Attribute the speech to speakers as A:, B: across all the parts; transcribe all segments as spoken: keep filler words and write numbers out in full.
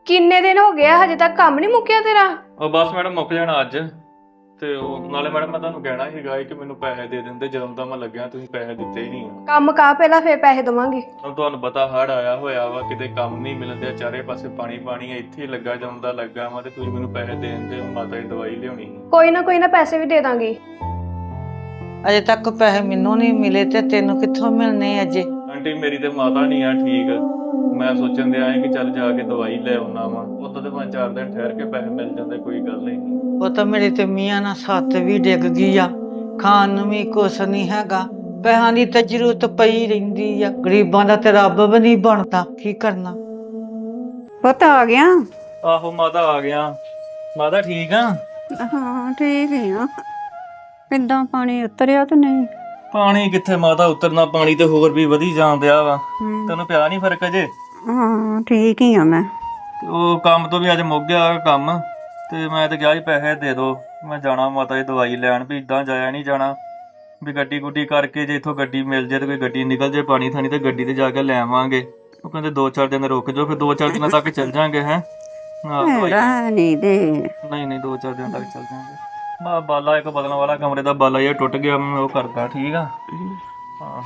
A: ਕਿੰਨੇ ਦਿਨ ਹੋ ਗਏ ਆ ਹਜੇ ਤੱਕ ਕੰਮ ਨਹੀਂ ਮੁੱਕਿਆ ਤੇਰਾ?
B: ਉਹ ਬਸ ਮੈਡਮ ਮੁੱਕ ਜਾਣਾ ਅੱਜ। ਤੇ ਉਹ ਨਾਲੇ ਮੈਡਮ ਮੈਂ ਤੁਹਾਨੂੰ ਕਹਿਣਾ ਸੀਗਾ ਕਿ ਮੈਨੂੰ ਪੈਸੇ ਦੇ ਦਿੰਦੇ, ਜਦੋਂ ਦਾ ਮੈਂ ਲੱਗਿਆ ਤੁਸੀਂ ਪੈਸੇ ਦਿੱਤੇ ਹੀ ਨਹੀਂ।
A: ਕੰਮ ਕਾ ਪਹਿਲਾਂ ਫੇਰ ਪੈਸੇ ਦਵਾਂਗੇ।
B: ਹੁਣ ਤੁਹਾਨੂੰ ਪਤਾ ਹੜ੍ਹ ਆਇਆ ਹੋਇਆ ਵਾ, ਕਿਤੇ ਕੰਮ ਨਹੀਂ ਮਿਲਦੇ, ਚਾਰੇ ਪਾਸੇ ਪਾਣੀ ਪਾਣੀ, ਇੱਥੇ ਹੀ ਲੱਗਾ ਜਦੋਂ ਦਾ ਲੱਗਾ ਵਾ। ਤੇ ਤੁਸੀਂ ਮੈਨੂੰ ਪੈਸੇ ਦੇ ਦਿੰਦੇ, ਮਾਤਾ ਦੀ ਦਵਾਈ ਲਿਆਉਣੀ ਸੀ।
A: ਕੋਈ ਨਾ ਕੋਈ ਨਾ ਪੈਸੇ ਵੀ ਦੇ ਦਾਂਗੇ।
C: ਅਜੇ ਤੱਕ ਪੈਸੇ ਮੈਨੂੰ ਨਹੀਂ ਮਿਲੇ ਤੇ ਤੈਨੂੰ ਕਿੱਥੋਂ ਮਿਲਣੇ ਅਜੇ?
B: ਆਂਟੀ ਮੇਰੀ ਤੇ ਮਾਤਾ ਨਹੀਂ ਆ ਠੀਕ, ਮੈਂ ਸੋਚਣ ਦੇ ਆਏ ਕਿ ਚੱਲ ਜਾ ਕੇ ਦਵਾਈ ਲੈ ਆਉਣਾ ਵਾ। ਉਦੋਂ ਤੇ ਪੰਜ ਚਾਰ ਦਿਨ ਠਹਿਰ ਕੇ ਪੈਸੇ ਮਿਲ ਜਾਂਦੇ, ਕੋਈ ਗੱਲ ਨਹੀਂ।
C: ਉਹ ਤਾਂ ਮੇਰੇ ਤੇ ਮੀਆਂ ਨਾਲ ਸੱਤ ਵੀ ਡਿੱਗ ਗਈ ਆ, ਖਾਣ ਨੂੰ ਵੀ ਕੁਛ ਨਹੀਂ ਹੈਗਾ, ਪੈਸਿਆਂ ਦੀ ਤਾਂ ਜ਼ਰੂਰਤ ਪਈ ਰਹਿੰਦੀ ਆ। ਗਰੀਬਾਂ ਦਾ ਤੇ ਰੱਬ ਵੀ ਨਹੀਂ ਬਣਦਾ, ਕੀ ਕਰਨਾ।
D: ਪੁੱਤ ਆ ਗਿਆ?
B: ਆਹੋ ਮਾਤਾ ਆ ਗਿਆ। ਮਾਤਾ ਠੀਕ ਆ?
D: ਹਾਂ ਠੀਕ ਹੀ ਆ। ਕਿੱਦਾਂ ਪਾਣੀ ਉਤਰਿਆ ਤੇ ਨਹੀਂ?
B: ਪਾਣੀ ਕਿੱਥੇ ਮਾਤਾ ਉਤਰਨਾ, ਪਾਣੀ ਤੇ ਹੋਰ ਵੀ ਵਧੀ ਜਾਂਦਿਆ ਵਾ। ਤੈਨੂੰ ਪਿਆ ਨਹੀਂ ਫਰਕ ਅਜੇ?
D: ਹਾਂ ਠੀਕ ਹੀ ਆ ਮੈਂ।
B: ਉਹ ਕੰਮ ਤੋਂ ਵੀ ਅੱਜ ਮੁੱਕ ਗਿਆ ਕੰਮ, ਤੇ ਮੈਂ ਤੇ ਕਿਹਾ ਸੀ ਪੈਸੇ ਦੇ ਦੋ, ਮੈਂ ਜਾਣਾ ਮਾਤਾ ਦੀ ਦਵਾਈ ਲੈਣ। ਵੀ ਇਦਾਂ ਜਾਇਆ ਨਹੀਂ ਜਾਣਾ, ਵੀ ਗੱਡੀ ਗੁੱਡੀ ਕਰਕੇ ਜੇ ਇੱਥੋਂ ਗੱਡੀ ਮਿਲ ਜੇ ਤੇ ਕੋਈ ਗੱਡੀ ਨਿਕਲ ਜੇ ਪਾਣੀ ਥਾਣੀ ਤੇ ਗੱਡੀ ਤੇ ਜਾ ਕੇ ਲੈ ਆਵਾਂਗੇ। ਉਹ ਕਹਿੰਦੇ ਦੋ ਚਾਰ ਦਿਨ ਰੁਕ ਜਾਓ, ਫਿਰ ਦੋ ਚਾਰ ਦਿਨਾਂ ਤੱਕ ਚੱਲ ਜਾਾਂਗੇ। ਹੈ
D: ਨਹੀਂ ਦੇ
B: ਨਹੀਂ ਨਹੀਂ ਦੋ ਚਾਰ ਦਿਨ ਤੱਕ ਚੱਲ ਜਾਾਂਗੇ। ਬਾ ਬਾਲਾ ਇੱਕ ਬਦਲਣ ਵਾਲਾ ਕਮਰੇ ਦਾ ਬਾਲਾ ਇਹ ਟੁੱਟ ਗਿਆ, ਮੈਂ ਉਹ ਕਰਦਾ। ਠੀਕ ਆ ਹਾਂ।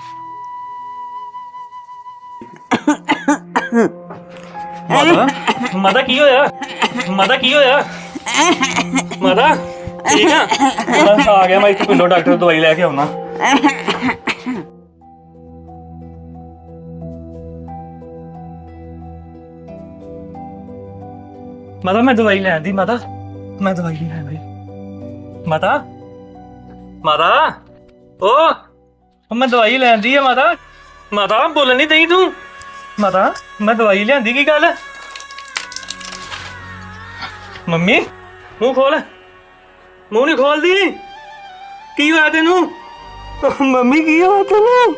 B: ਮਾਤਾ ਮਾਤਾ ਕੀ ਹੋਇਆ? ਮਾਤਾ ਕੀ ਹੋਇਆ? ਮਾਤਾ ਠੀਕ ਆ? ਬਸ ਆ ਗਿਆ ਮੈਂ ਇੱਥੇ ਪਿੰਡੋਂ, ਡਾਕਟਰ ਦਵਾਈ ਲੈ ਕੇ ਆਉਣਾ। ਮਾਤਾ ਮੈਂ ਦਵਾਈ ਲੈਣ ਦੀ। ਮਾਤਾ ਮੈਂ ਦਵਾਈ ਲੈਣ ਦੀ। ਮਾਤਾ ਮਾਤਾ ਓ ਮੈਂ ਦਵਾਈ ਲੈਣ ਦੀ ਆ। ਮਾਤਾ ਮਾਤਾ ਬੋਲਣ ਨਹੀਂ ਦਈ ਤੂੰ। ਮਾਤਾ ਮੈਂ ਦਵਾਈ ਲਿਆਂਦੀ। ਕੀ ਗੱਲ? ਮੰਮੀ ਮੂੰਹ ਖੋਲ। ਮੂੰਹ ਨਹੀਂ ਖੋਲਦੀ। ਕੀ ਹੋਇਆ ਤੈਨੂੰ? ਮੰਮੀ ਕੀ ਹੋਇਆ ਤੈਨੂੰ?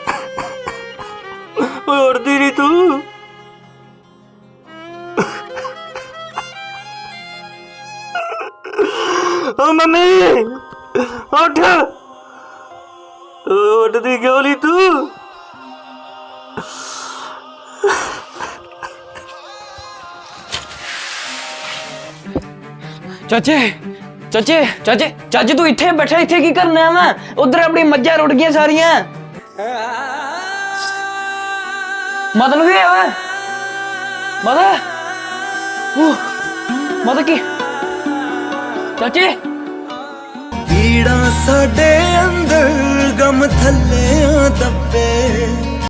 B: ਓਏ ਉੜਦੀ ਨਹੀਂ ਤੂੰ। ਓ ਮੰਮੀ ਉੱਠ। ਉੱਠਦੀ ਕਿਉਂ ਨਹੀਂ ਤੂੰ?
E: ਚਾਚੇ ਚਾਚੇ ਚਾਚੇ ਚਾਚੇ ਤੂੰ ਇੱਥੇ ਬੈਠਾ, ਇੱਥੇ ਕੀ ਕਰਨਾ ਵਾ? ਉਧਰ ਆਪਣੀ ਮੱਝਾਂ ਰੁੜ ਗਈਆਂ ਸਾਰੀਆਂ। ਮਤਲਬ ਕੀ ਹੋਇਆ? ਮਾਤਾ ਉਹ ਮਾਤਾ ਕੀ? ਚਾਚੇ
F: ਪੀੜਾਂ ਸਾਡੇ ਅੰਦਰ ਗਮ ਥੱਲੇ ਦੱਬੇ।